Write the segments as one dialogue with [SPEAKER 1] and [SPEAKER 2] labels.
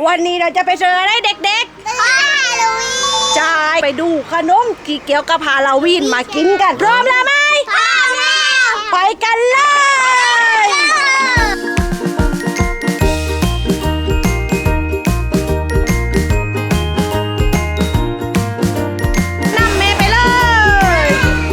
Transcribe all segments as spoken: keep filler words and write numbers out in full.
[SPEAKER 1] วันนี้เราจะไปเจออะไรเด็กๆฮาโลวีนใช่ไปดูขนมที่เกี่ยวกับฮาโลวีนมากินกันพร้อมแล้วไหมพร้อมแล้วไปกันเลยนำเมย์ไปเลย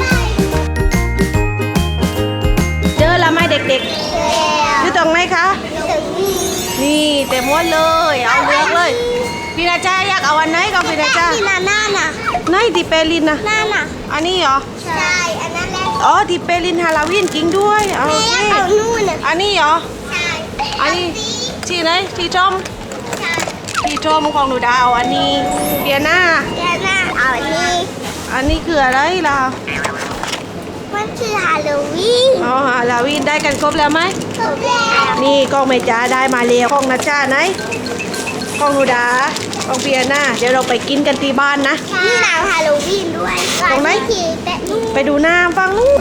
[SPEAKER 1] เจอแล้วไหมเด็กๆอยู่ตรงไหนคะนี่เต็มหมดเลยเอาเลือกเลยพี่นาจาอยากเอาอันไหนก็พี่นาจาที่นาน่าน่ะไหนที่เปรินนะน่าน่ะอันนี้เหรอใช่อันนั้นแหละอ๋อที่เปรินฮาโลวีนจริงด้วยโอเคเอานู่นอันนี้เหรอใช่อันนี้ที่ไหนที่ชมใช่ที่ชมของหนูดาวอันนี้เปียน่าเปียน่าเอาอันนี้อันนี้คืออะไรล่ะมันคือฮาโลวีนอ๋อฮาโลวีนได้กันครบแล้วไหมครบแล้วนี่กล้องเมจ้าได้มาเร็วกล้องนัชชาไหนกล้องนูดากล้องเปียน่าเดี๋ยวเราไปกินกันที่บ้านนะนี่หนังฮาโลวีนด้วยตรงไหนไปดูหน้าฟังลูก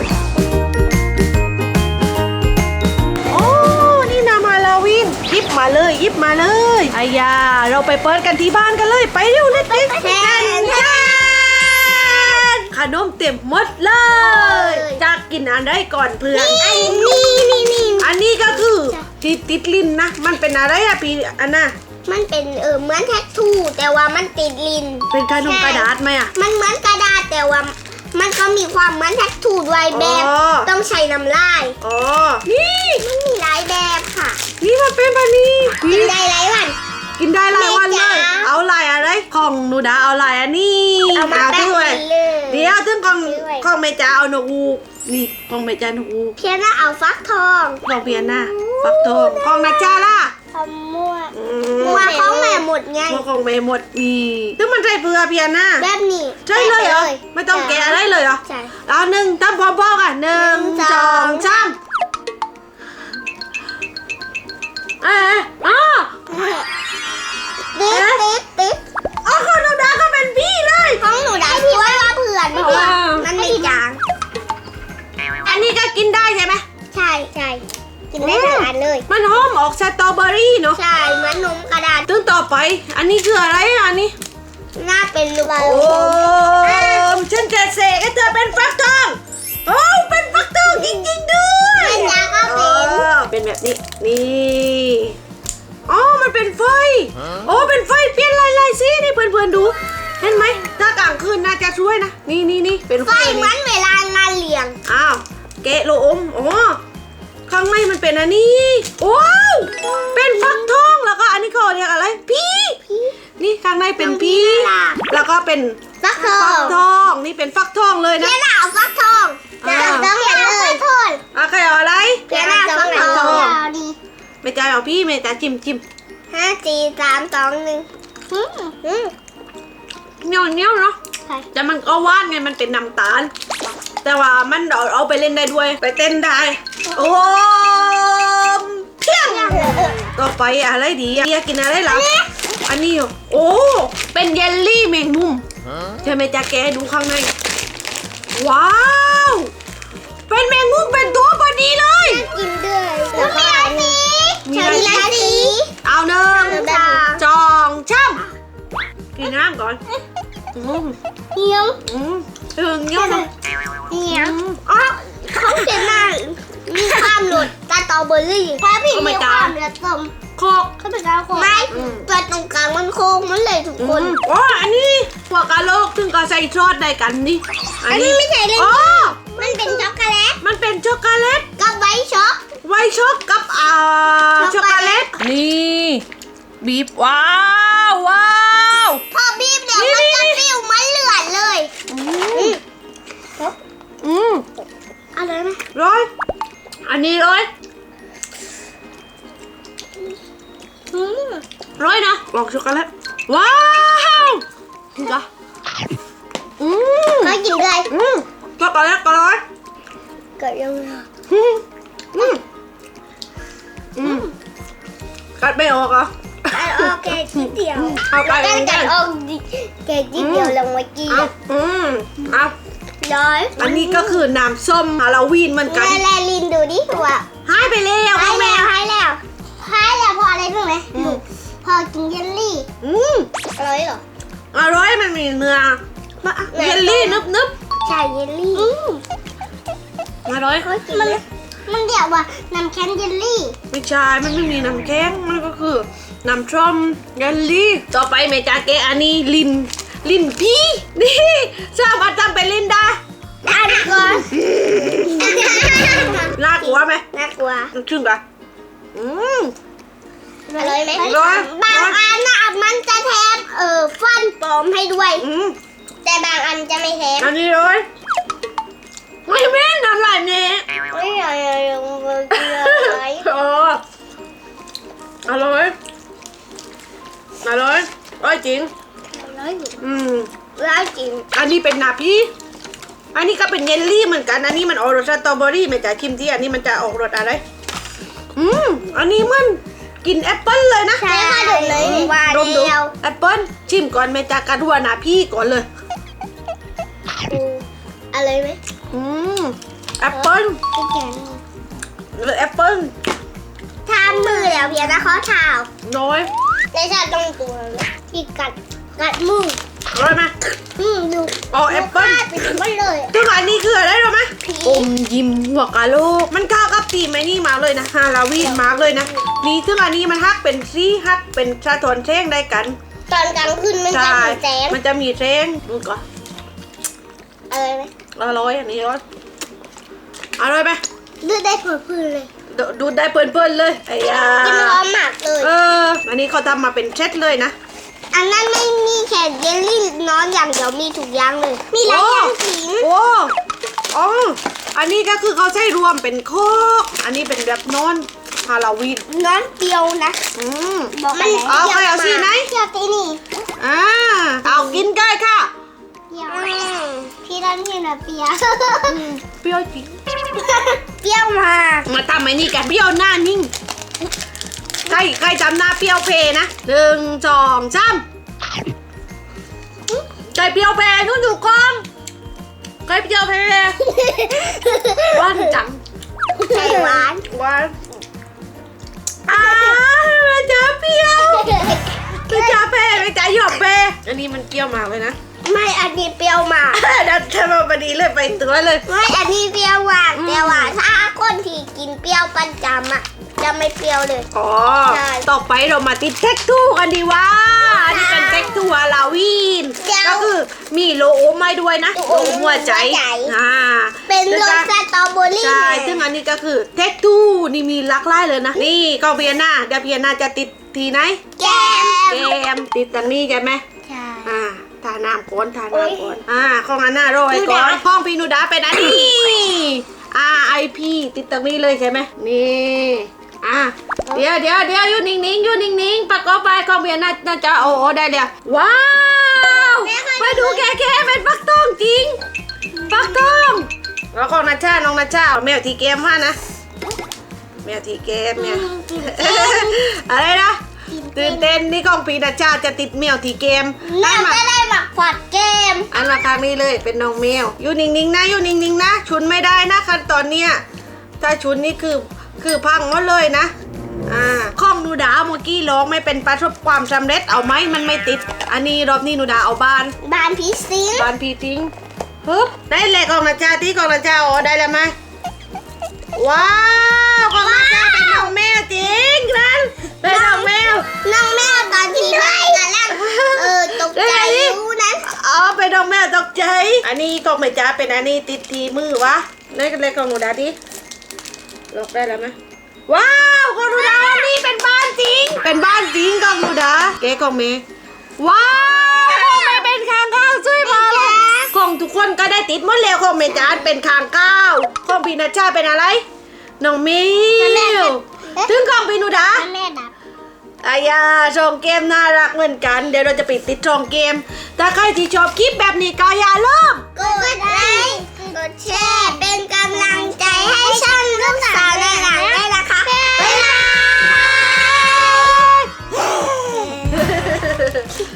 [SPEAKER 1] โอ้นี่น้ำฮาโลวีนยิบมาเลยยิบมาเลยอายาเราไปเปิดกันที่บ้านกันเลยไปเร็วเด็กๆแทนแทนขนมเต็มหมดเลยจะกินอันใดก่อนเพื่อนอันนี้นี่นี่อันนี้ก็คือที่ติดลิ้นนะมันเป็นอะไรอะพี่อันน่ะ
[SPEAKER 2] มันเป็นเออเหมือนแท็กทูแต่ว่ามันติดลิ้น
[SPEAKER 1] เป็นขนมกระดาษไหมอะ
[SPEAKER 2] มันเหมือนกระดาษแต่ว่ามันก็มีความเหมือนแท็กทูด้วยแบบต้องใช้น้ำลาย
[SPEAKER 1] อ๋อนี่
[SPEAKER 2] มันมีหลายแบบค่ะ
[SPEAKER 1] นี่มันเป็นแบบนี้
[SPEAKER 2] กินได้หลายวัน
[SPEAKER 1] กินได้หลายวันเลยเอาลายอะไรของหนูดาเอาลายอันนี้
[SPEAKER 2] เอามาแป้งเลย
[SPEAKER 1] เดี๋ยวถึงของของเมจ่าเอาหนูอูนี่ของเมจ่าหนูอู
[SPEAKER 2] เพียน่าเอาฟักทอง
[SPEAKER 1] ของเพียน่าฟักทองของนัชชาล่ะ
[SPEAKER 2] ทำมั่วมั่วของแม่หมดไง
[SPEAKER 1] มั่วของแม่หมดนี่ถึงมันใส่เปลือกเพียน่า
[SPEAKER 2] แบบนี้
[SPEAKER 1] ใช่เลยเหรอไม่ต้องแกะอะไรเลยเหรอ
[SPEAKER 2] ใช่
[SPEAKER 1] เอาหนึ่งตั้มพร้อมๆกันหนึ่งสองสามเอ๊ะอ๋อ
[SPEAKER 2] ติ๊ดติ๊ดติ๊ด
[SPEAKER 1] อ๋อของหนูดาก็เป็นพี่เลย
[SPEAKER 2] ของหนูดาพี่ว่าว่าเผื่อนเพราะว่ามันไม่จาง
[SPEAKER 1] อันนี้ก็กินได้ใช่ไหม
[SPEAKER 2] ใช่ใช่กินได้ทั้งอันเลย
[SPEAKER 1] มันหอมออกสตรอเบอรี่เนาะ
[SPEAKER 2] ใช่เหมือนนมกระดาษ
[SPEAKER 1] ตึ้งต่อไปอันนี้คืออะไรอันนี้
[SPEAKER 2] น่าเป็นลูก
[SPEAKER 1] โอ้ฉันจะเสกให้เธอเป็นฟักทองโอ้เป็นฟักทองจริงๆด้วย
[SPEAKER 2] มันยาก็เป็น
[SPEAKER 1] เป็นแบบนี้นี่อ๋อมันเป็นไฟโอ้เป็นไฟเปลี่ยนลายลายสินี่เพื่อนๆดูเห็นไหมถ้ากลางคืนน่าจะช่วยนะนี่นี่นี่เป็น
[SPEAKER 2] ไฟเหมือนเวลางานเลี้ยง
[SPEAKER 1] อ้าวเกะโลอมอ๋อข้างในมันเป็นอันนี้ว้าวเป็นฟักทองแล้วก็อันนี้เขาเรียกอะไรพี่นี่ข้างในเป็นพี่แล้วก็เป็น
[SPEAKER 2] ฟักทอง
[SPEAKER 1] ฟักทองนี่เป็นฟักทองเลยนะ
[SPEAKER 2] เพียน่าเอาฟักทองจะต้องเพียน่าฟักทอง
[SPEAKER 1] อ่ะใครเอาอะไร
[SPEAKER 2] เพียน่าฟักทอง
[SPEAKER 1] ไม่จ่ายเอาพี่ไม่จ่ายจิ้มจิ้ม
[SPEAKER 2] ห้าสี่สามสองหนึ่ง
[SPEAKER 1] เหนียวเหนียวเนาะแต่มันก็ว่านไงมันเป็นน้ำตาลแต่ว่ามันเอาเอาไปเล่นได้ด้วยไปเต้นได้โอ้เพี้ยงต่อไปอะไรดีอยากกินอะไรล่ะอันนี้โอ้เป็นเยลลี่แมงมุมจะไม่จะแกะดูข้างในว้าวเป็นแมงมุมเป็นตัวพอดีเลย
[SPEAKER 2] กินด้วยแล้วก็อันนี้มีอะไรสี
[SPEAKER 1] เอาหนึ่งจองช่ำกินน้ำก่อน
[SPEAKER 2] เงี้ยว
[SPEAKER 1] ถึงเงี้ยว
[SPEAKER 2] เงี้ยวอ๋อเขาเขียนหน้ามีความหลุดตาตอเบอร์รี่ถ้าพี่มีความละตม
[SPEAKER 1] โคก
[SPEAKER 2] เขาเป็นการโคกไม่ตัวตรงกลางมันโค้งมันเลยทุกคน
[SPEAKER 1] อ๋ออันนี้พวกกะโหลกถึงก็ใส่ซอสได้กันนี่
[SPEAKER 2] อันนี้ไม่ใช่เลย
[SPEAKER 1] อ๋อ
[SPEAKER 2] มันเป็นช็อกโกแลต
[SPEAKER 1] มันเป็นช็อกโกแลต
[SPEAKER 2] กับไวท์ช็อก
[SPEAKER 1] ไวท์ช็อกกับอ่าช็อกโกแลตนี่บีบว้าวว้าว
[SPEAKER 2] พอบีบเนี่ยมันจะฟิวมันเหลือเลย
[SPEAKER 1] อืม
[SPEAKER 2] อะไรไหม
[SPEAKER 1] ร้อยอันนี้ร้อยร้อยนะลองช็อกโกแลตว้าวกินจ้ะอืม
[SPEAKER 2] มากินเลย
[SPEAKER 1] อืมช็อกโกแลตก็ร้อย
[SPEAKER 2] เกิดยังไง
[SPEAKER 1] อืมอืมอืมกัดไม่ออกอ่ะ
[SPEAKER 2] โอเคทีเดียว
[SPEAKER 1] เอาไป
[SPEAKER 2] กันกันออกแกทีเดียวลงไว้กิน
[SPEAKER 1] อืมเอา
[SPEAKER 2] ร้อย
[SPEAKER 1] อันนี้ก็คือน้ำส้มฮาโลวีนเหมือนกัน
[SPEAKER 2] แลลินดูดิว่า
[SPEAKER 1] หายไปแล้ว
[SPEAKER 2] หายแล้วหายแล้วหายแล้วพออะไรรู้ไหมพอกินเยลลี่
[SPEAKER 1] มีเนื้อเยลลี่นึบนึบ
[SPEAKER 2] ใช่เยลลี่
[SPEAKER 1] อร่อย
[SPEAKER 2] มันมันเรียกว่าน้ำแข็งเยลลี่
[SPEAKER 1] ไม่ใช่มันไม่มีน้ำแข็งมันก็คือน้ำส้มเยลลี่ต่อไปเมจาเกะอันนี้ลินลินพี่นี่สามารถทำเป็นลินได้
[SPEAKER 2] อันก่อน
[SPEAKER 1] น่ากลัวไหม
[SPEAKER 2] น่ากลัว
[SPEAKER 1] ชื่นปะอืม
[SPEAKER 2] อร่อยไหม
[SPEAKER 1] อร่อย
[SPEAKER 2] บางอันนะมันจะแถมเออฟันปลอมให้ด้วย
[SPEAKER 1] อืม
[SPEAKER 2] แต่บางอันจะไม่แถม
[SPEAKER 1] อันนี้เลยไม่แม่นอร่อยเนี่ย
[SPEAKER 2] ไม่อร่อยเลย
[SPEAKER 1] เอออร่อยอร่อยอร่อยจริง
[SPEAKER 2] ร้อย
[SPEAKER 1] อืม
[SPEAKER 2] ร้อยจริง
[SPEAKER 1] อันนี้เป็นนาพี่อันนี้ก็เป็นเยลลี่เหมือนกัน อันนี้มันออกรสสตรอเบอรี่ไม่จ่ายคิมที่อันนี้มันจะออกรสอะไร อืม อันนี้มันกินแอปเปิ้ลเลยนะ
[SPEAKER 2] ใช่ค่ะดูเลยว่า
[SPEAKER 1] ดมดู
[SPEAKER 2] เดียว
[SPEAKER 1] แอปเปิ้ลชิมก่อนแม่จากกระดัวนาพี่ก่อนเลย
[SPEAKER 2] อะไรไหม
[SPEAKER 1] อืม แอปเปิ้ล
[SPEAKER 2] พี่แกง
[SPEAKER 1] แอปเปิ้ล
[SPEAKER 2] ทานมือแล้วเพียงนะเขาเท้า
[SPEAKER 1] น้อย
[SPEAKER 2] ในชาติตรงตัวที่กัดกัดมือ
[SPEAKER 1] อร่อยไหม
[SPEAKER 2] อืมดู
[SPEAKER 1] อ๋อแอปเปิ้ล
[SPEAKER 2] ไปถึงมันเลย
[SPEAKER 1] ซึ่งอันนี้คืออะไรรู้ไหม
[SPEAKER 2] ผี
[SPEAKER 1] อมยิ้มหัวกะโหลกมันเข้ากับตีมไอ้นี่มากเลยนะฮาลาวีนมากเลยนะนี่ซึ่งอันนี้มันฮักเป็นซี่ฮักเป็นสะท้อนแสงได้กัน
[SPEAKER 2] ตอนกลางคืนมันจะ
[SPEAKER 1] ใช่
[SPEAKER 2] มีแสง
[SPEAKER 1] มันจะมีแสงดูก่อน
[SPEAKER 2] อะไรไหม
[SPEAKER 1] อร่อยอันนี้อร่อยอร่อยไหม
[SPEAKER 2] ดูได้ผลพื้นเลย
[SPEAKER 1] ดูดูได้เพลินๆเลยไอ้ยา
[SPEAKER 2] กินหอมมากเลย
[SPEAKER 1] เอออันนี้เขาทำมาเป็นเซตเลยนะ
[SPEAKER 2] อันนั้นไม่มีแค่เยลลี่น้อนอย่างเดียวมีทุกอย่างเลย มีหลายอย่างจริง
[SPEAKER 1] โอ้อ๋ออันนี้ก็คือเขาใช้รวมเป็นโคกอันนี้เป็นแบบนอนฮาโลวีน
[SPEAKER 2] น้อนเปรียวนะ
[SPEAKER 1] อืม
[SPEAKER 2] บอกมัน
[SPEAKER 1] เอาใครเอาสีไหน
[SPEAKER 2] เปรี้ยวตีนี่
[SPEAKER 1] อ่าเอากินได้ค่ะ
[SPEAKER 2] เปรี้ยวพี่ด้านพี่นะเปรี้ยว
[SPEAKER 1] เปรี้ยวจริง
[SPEAKER 2] เปรี้ยวมาก
[SPEAKER 1] มาทำไอ้นี่กันเปรี้ยวหน้านิ่งใครใครจำหน้าเปรี้ยวเพนะหนึ่งสองสามใครเปรี้ยวเพนู่นอยู่กองใครเปรี้ยวเพหวานจัง
[SPEAKER 2] ใช่หวาน
[SPEAKER 1] หวานอ้าวมันจะเปรี้ยวมันจะเพมันจะหยอกเพอันนี้มันเปรี้ยวมากเลยนะ
[SPEAKER 2] ไม่อันนี้เปรี้ยวมาก
[SPEAKER 1] ดันทำมาพอดีเลยไปตัวเลย
[SPEAKER 2] ไม่อันนี้เปรี้ยวหวานแต่ว่าถ้าคนที่กินเปรี้ยวประจำอ่ะจะไม่เปรี้ยวเลย
[SPEAKER 1] อ๋อ
[SPEAKER 2] ใช่
[SPEAKER 1] ต่อไปเรามาติดเท็กทูกันดีว่าอันนี้เป็นเท็กทูฮาลาวีน
[SPEAKER 2] เดี๋ยว
[SPEAKER 1] ก็คือมีโลโอมาด้วยนะ
[SPEAKER 2] โล
[SPEAKER 1] โล
[SPEAKER 2] โอ
[SPEAKER 1] โอหัวใจ
[SPEAKER 2] หัวใจ
[SPEAKER 1] อ่า
[SPEAKER 2] เป็นรสสตรอเบอรี่
[SPEAKER 1] ใช่ซึ่งอันนี้ก็คือเท็กทูนี่มีหลากหลายเลยนะ นี่ก็เบียนาเดี๋ยวเบียนาจะติดทีไหน
[SPEAKER 2] แก้ม
[SPEAKER 1] แกมติดตรงนี้ใช่ไหม
[SPEAKER 2] ใช่
[SPEAKER 1] อ่าทาน้ำก้นทา
[SPEAKER 2] โอ๊ย
[SPEAKER 1] น้ำก้นอ่าของอันน่าโรย
[SPEAKER 2] นู
[SPEAKER 1] ก่อ
[SPEAKER 2] ดา
[SPEAKER 1] นห้องพี่นูดาเป็นอันนี้ R I P ติดตรงนี้เลยใช่ไหมนี่อ่ะเดี๋ยวเดี๋ยวเดี๋ยวอยู่นิ่งๆอยู่นิ่งๆประกอบไปของเบียร์น่าน่าจะโอ้โอ้ได้เลยว้าวมาดูแก่ๆเป็นฟักทองจริงฟักทองแล้วของนาชาน้องนาชาเอาแมวทีเกมว่านะแมวทีเกมเนี่ย อะไรนะตื่นเต้นนี่ของปีนาชาจะติดแมวทีเกม
[SPEAKER 2] น่า
[SPEAKER 1] มา
[SPEAKER 2] จะได้หมักผัดเกม
[SPEAKER 1] อันมาครั้งนี้เลยเป็นน้องแมวอยู่นิ่งๆนะอยู่นิ่งๆนะชุนไม่ได้นะขั้นตอนเนี้ยถ้าชุนนี่คือคือพังหมดเลยนะอ่าข้องนูดาเมื่อกี้ร้องไม่เป็นประสบความสำเร็จเอาไหมมันไม่ติด อันนี้รอบนี้นูดาเอาบาน
[SPEAKER 2] บานผีสิง
[SPEAKER 1] บานพีทิ้งฮึบได้เลยกองนาจาที่กองนาจาอ๋อได้แล้วไหมว้าวกองนาจาเป็นน้องแมวจริงนั่นเป็นน้องแมว
[SPEAKER 2] น้องแมวตอนที่ได้กันแล้วเออตกใจรู้นะ
[SPEAKER 1] อ๋อเป็นน้องแมวตกใจอันนี้กองไม่จ้าเป็นอันนี้ติดทีมือวะได้กันเลยกองนูดาดิล็อกได้แล้วไหมว้าวกองนูดานี่เป็นบ้านจริง เป็นบ้านจริงกองนูดาเก๋กองเมย์ว้าวไม่เป็นคางข้าวช่วยมาเลยของทุกคนก็ได้ติดหมดแล้วของเมจานเป็นคางข้าวของพีนัชชาเป็นอะไรน้องมิวถึงของพีนูดา
[SPEAKER 2] แม่ดับ
[SPEAKER 1] อายาช่องเกมน่ารักเหมือนกัน เดี๋ยวเราจะไปติดช่องเกมถ้าใครที่ชอบคลิปแบบนี้ก็อย่าลืม
[SPEAKER 2] กดไลค์กดแชร์